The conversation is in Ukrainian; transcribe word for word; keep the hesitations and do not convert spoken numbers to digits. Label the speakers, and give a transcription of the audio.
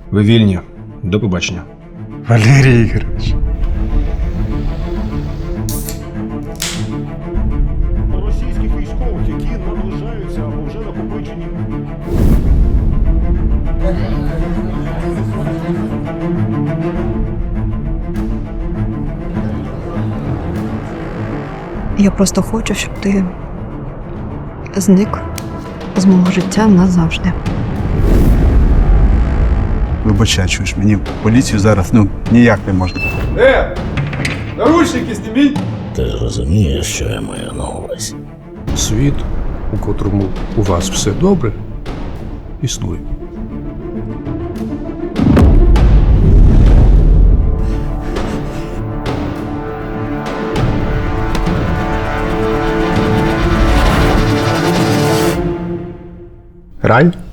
Speaker 1: Ви вільні. До побачення.
Speaker 2: Валерій Ігорович.
Speaker 3: Російських військових, які наближаються або вже накопичені.
Speaker 4: Я просто хочу, щоб ти зник з мого життя назавжди.
Speaker 2: Вибачай, чуєш, мені в поліцію зараз ну ніяк не можна.
Speaker 5: Е! Наручники зніміть!
Speaker 6: Ти ж розумієш, що я маю на увазі?
Speaker 7: Світ, у котрому у вас все добре, існує.
Speaker 1: Рай?